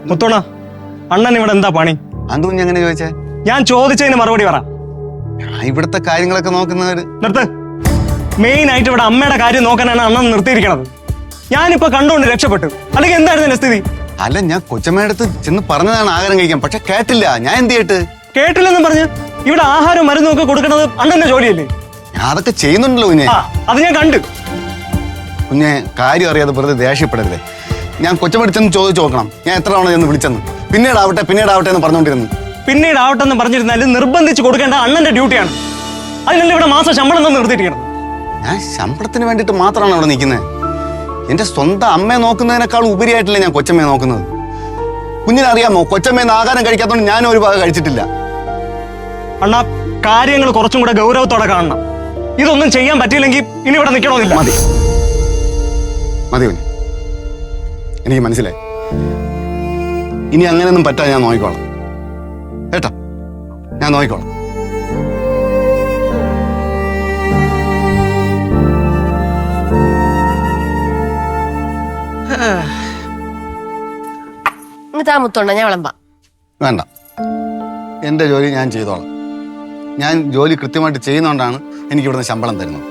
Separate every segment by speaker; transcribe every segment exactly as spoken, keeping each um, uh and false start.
Speaker 1: മുത്തോണ അണ്ണൻ ഇവിടെ എന്താ പണി?
Speaker 2: അതും എങ്ങനെ ചോദിച്ചേ?
Speaker 1: ഞാൻ ചോദിച്ചതിന് മറുപടി പറ.
Speaker 2: ഇവിടുത്തെ കാര്യങ്ങളൊക്കെ നോക്കുന്നവര്.
Speaker 1: നിർത്ത്. മെയിൻ ആയിട്ട് ഇവിടെ അമ്മയുടെ കാര്യം നോക്കാനാണ് അണ്ണൻ നിർത്തിയിരിക്കണത്. ഞാനിപ്പോ കണ്ടുകൊണ്ട് രക്ഷപ്പെട്ടു. അല്ലെങ്കിൽ എന്തായിരുന്നു എന്റെ സ്ഥിതി?
Speaker 2: അല്ല, ഞാൻ കൊച്ചമ്മയുടെ അടുത്ത് ചെന്ന് പറഞ്ഞതാണ് ആഹാരം കഴിക്കാൻ, പക്ഷെ കേട്ടില്ല. ഞാൻ എന്ത് ചെയ്തിട്ട്?
Speaker 1: കേട്ടില്ലെന്നും പറഞ്ഞ് ഇവിടെ ആഹാരം മരുന്നും ഒക്കെ കൊടുക്കണത് അണ്ണന്റെ ജോലിയല്ലേ?
Speaker 2: ഞാൻ അതൊക്കെ ചെയ്യുന്നുണ്ടല്ലോ കുഞ്ഞെ.
Speaker 1: അത് ഞാൻ കണ്ടു.
Speaker 2: കുഞ്ഞെ, കാര്യം അറിയാതെ വെറുതെ ദേഷ്യപ്പെടരുതേ. ഞാൻ കൊച്ചമ്മയുടെ ചെന്ന് ചോദിച്ചു നോക്കണം ഞാൻ എത്ര തവണ ചെന്ന് വിളിച്ചെന്ന്. പിന്നീടാവട്ടെ പിന്നീടാവട്ടെ എന്ന് പറഞ്ഞുകൊണ്ടിരുന്നു.
Speaker 1: പിന്നീടാവട്ടെ എന്ന് പറഞ്ഞിരുന്നാലും നിർബന്ധിച്ച് കൊടുക്കേണ്ട അണ്ണന്റെ ഡ്യൂട്ടിയാണ്. അതിനല്ലേ ഇവിടെ മാസം ശമ്പളം തന്നെ നിർത്തിയിരിക്കണം.
Speaker 2: ഞാൻ ശമ്പളത്തിന് വേണ്ടിയിട്ട് മാത്രമാണ് അവിടെ നിൽക്കുന്നത്. എന്റെ സ്വന്തം അമ്മയെ നോക്കുന്നതിനേക്കാൾ ഉപരിയായിട്ടല്ലേ ഞാൻ കൊച്ചമ്മയെ നോക്കുന്നത്. കുഞ്ഞിനറിയാമോ, കൊച്ചമ്മയെന്ന് ആഹാരം കഴിക്കാത്തതുകൊണ്ട് ഞാനും ഒരു ഭാഗം കഴിച്ചിട്ടില്ല.
Speaker 1: അണ്ണാ, കാര്യങ്ങൾ കുറച്ചും കൂടെ ഗൗരവത്തോടെ കാണണം. ഇതൊന്നും ചെയ്യാൻ പറ്റിയില്ലെങ്കിൽ ഇനി ഇവിടെ നിൽക്കണമെന്നില്ല.
Speaker 2: മതി മതി കുഞ്ഞ്, എനിക്ക് മനസ്സിലായി. ഇനി അങ്ങനെയൊന്നും പറ്റാ ഞാൻ നോക്കിക്കോളാം കേട്ടോ. ഞാൻ നോക്കിക്കോളാം.
Speaker 3: മുത്തോണ്ട ഞാൻ വിളമ്പാം.
Speaker 2: വേണ്ട, എൻ്റെ ജോലി ഞാൻ ചെയ്തോളാം. ഞാൻ ജോലി കൃത്യമായിട്ട് ചെയ്യുന്നതുകൊണ്ടാണ് എനിക്ക് ഇവിടുന്ന് ശമ്പളം തരുന്നത്.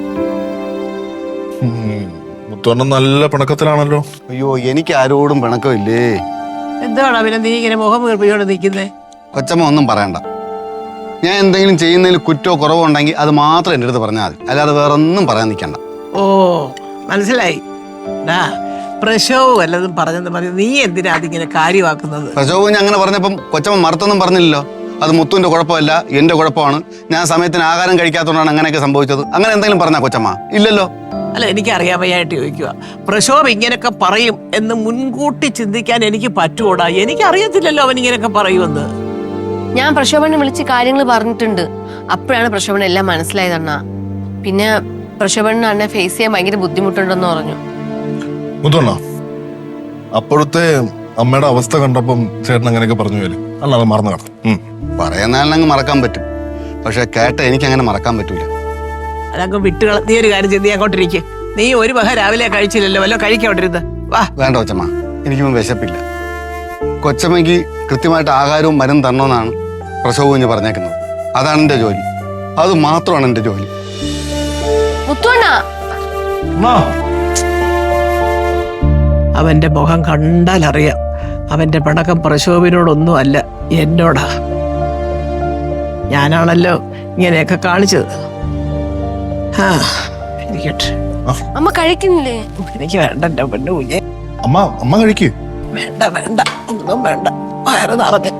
Speaker 4: മുത്തോണ്ണ നല്ല പിണക്കത്തിലാണല്ലോ.
Speaker 2: അയ്യോ, എനിക്ക് ആരോടും പിണക്കമില്ലേ.
Speaker 5: എന്താണ് പിന്നെ നീ ഇങ്ങനെ മുഖം വീർപ്പിച്ചോണ്ട് നിൽക്കുന്നേ?
Speaker 2: കൊച്ചമ്മ ഒന്നും പറയണ്ട. ഞാൻ എന്തെങ്കിലും ചെയ്യുന്നതിൽ കുറ്റോ കുറവോ ഉണ്ടെങ്കിൽ അത് മാത്രം എൻ്റെ അടുത്ത് പറഞ്ഞാൽ മതി. അല്ലാതെ വേറെ ഒന്നും പറയാൻ നിൽക്കണ്ട.
Speaker 5: ഓ, മനസ്സിലായി. ഡാ, പ്രശോവ് വല്ലതും പറഞ്ഞെന്ന് പറഞ്ഞു നീ എന്തിനാ അതിങ്ങനെ കാര്യമാക്കുന്നത്?
Speaker 2: പ്രശോഭം അങ്ങനെ പറഞ്ഞപ്പം കൊച്ചമ്മ മറുത്തൊന്നും പറഞ്ഞില്ലല്ലോ. അത് മുത്തുവിന്റെ കുഴപ്പമല്ല, എന്റെ കുഴപ്പമാണ്. ഞാൻ സമയത്തിന് ആഹാരം കഴിക്കാത്തതുകൊണ്ടാണ് അങ്ങനെയൊക്കെ സംഭവിച്ചത്. അങ്ങനെ എന്തെങ്കിലും പറഞ്ഞാ കൊച്ചമ്മ? ഇല്ലല്ലോ.
Speaker 5: അല്ല, എനിക്ക് അറിയാൻ വയ്യായിട്ട് ചോദിക്കുക. പ്രശോഭ് ഇങ്ങനെയൊക്കെ പറയും എന്ന് മുൻകൂട്ടി ചിന്തിക്കാൻ എനിക്ക് പറ്റുകൂടാ? എനിക്ക് അറിയത്തില്ലല്ലോ അവൻ ഇങ്ങനെയൊക്കെ പറയുമെന്ന്.
Speaker 3: ഞാൻ പ്രശോഭനെ വിളിച്ച് കാര്യങ്ങൾ പറഞ്ഞിട്ടുണ്ട്. അപ്പോഴാണ് പ്രശോഭന എല്ലാം മനസ്സിലായതണ്ണ. പിന്നെ പ്രശോഭന അണ്ണെ ഫേസ് ചെയ്യാൻ ഭയങ്കര ബുദ്ധിമുട്ടുണ്ടെന്ന് പറഞ്ഞു.
Speaker 4: മുത്തോണ്ണ, അപ്പോഴത്തെ അമ്മയുടെ അവസ്ഥ കണ്ടപ്പം ചേട്ടൻ അങ്ങനെയൊക്കെ പറഞ്ഞു പോയാലേ അല്ലാതെ മറന്നു കാണും.
Speaker 2: പറയുന്നാലങ്ങ് മറക്കാൻ പറ്റും, പക്ഷെ കേട്ട എനിക്ക് അങ്ങനെ മറക്കാൻ പറ്റൂല.
Speaker 5: അതങ്ങ് വിട്ടുകള. നീ ഒരു കാര്യം ചെയ്ത് നീ അങ്ങോട്ടിരിക്കും. നീ ഒരു വക രാവിലെ കഴിച്ചില്ലല്ലോ, വല്ലോ കഴിക്കോട്ടിരുന്ന് വാ.
Speaker 2: വേണ്ട കൊച്ചമ്മ, എനിക്കൊന്നും വിശപ്പില്ല. കൊച്ചമ്മയ്ക്ക് കൃത്യമായിട്ട് ആഹാരവും മരുന്നും തരണമെന്നാണ് പ്രസവ കുഞ്ഞ് പറഞ്ഞേക്കുന്നത്. അതാണ് എൻ്റെ ജോലി. അത് മാത്രമാണ് എൻ്റെ ജോലി.
Speaker 5: അവന്റെ മുഖം കണ്ടാൽ അറിയാം അവന്റെ പിണക്കം പ്രശോഭിനോടൊന്നും അല്ല, എന്നോടാ. ഞാനാണല്ലോ ഇങ്ങനെയൊക്കെ കാണിച്ചത്. ആ, ഇരിക്കട്ടെ.
Speaker 3: അമ്മ കഴിക്കുന്നില്ലേ?
Speaker 5: എനിക്ക് വേണ്ട എന്റെ പെണ്ണു കുഞ്ഞെ.
Speaker 4: അമ്മ അമ്മ കഴിക്കേ.
Speaker 5: വേണ്ട വേണ്ട, ഒന്നും വേണ്ട, വയറ് നിറഞ്ഞ്.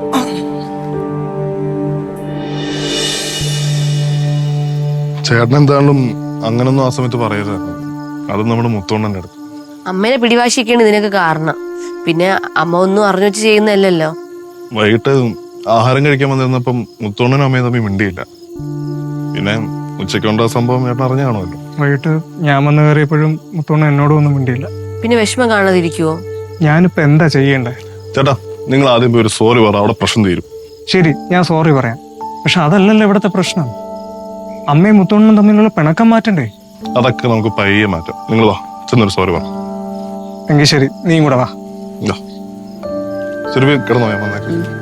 Speaker 4: ചേട്ടൻ എന്തായാലും അങ്ങനൊന്നും ആ സമയത്ത് പറയരുത്. അത് നമ്മുടെ മുത്തോണ്ണന്റെ അടുത്ത്.
Speaker 3: അമ്മേനെ പിടിവാശിക്കാണ് ഇതിനൊക്കെ കാരണം. പിന്നെ അമ്മ ഒന്നും അറിഞ്ഞു വെച്ച് ചെയ്യുന്നല്ലോ.
Speaker 4: വൈകിട്ട് ആഹാരം കഴിക്കാൻ വന്നിരുന്നപ്പം മുത്തോണ്ണനും അമ്മയും തമ്മിൽ മിണ്ടിയില്ല. പിന്നെ ഉച്ചയ്ക്കുണ്ടാ സംഭവം ചേട്ടൻ അറിഞ്ഞു കാണുമല്ലോ.
Speaker 1: വൈകിട്ട് ഞാൻ വന്ന് കയറിയപ്പോഴും മുത്തോണ്ണ എന്നോടും ഒന്നും മിണ്ടിയില്ല.
Speaker 3: പിന്നെ വിഷമം കാണാതിരിക്കുവോ?
Speaker 1: ഞാനിപ്പോ എന്താ ചെയ്യണ്ടേ?
Speaker 4: ചേട്ടാ, നിങ്ങൾ ആദ്യം പോയി ഒരു സോറി പറ, അവിടെ പ്രശ്നം തീരും.
Speaker 1: ശരി, ഞാൻ സോറി പറയാം. പക്ഷെ അതല്ലല്ലോ ഇവിടുത്തെ പ്രശ്നം. അമ്മയും മുത്തോണ്ണനും തമ്മിലുള്ള പിണക്കം മാറ്റണ്ടേ?
Speaker 4: അതൊക്കെ നമുക്ക് പയ്യെ മാറ്റാം. നിങ്ങൾ വാ, ചെന്നൊരു സോറി പറ.
Speaker 1: എങ്കിൽ ശരി, നീയും കൂടെ വാ.
Speaker 4: ശരി, കിടന്നോ, ഞാൻ വന്നേക്കാം.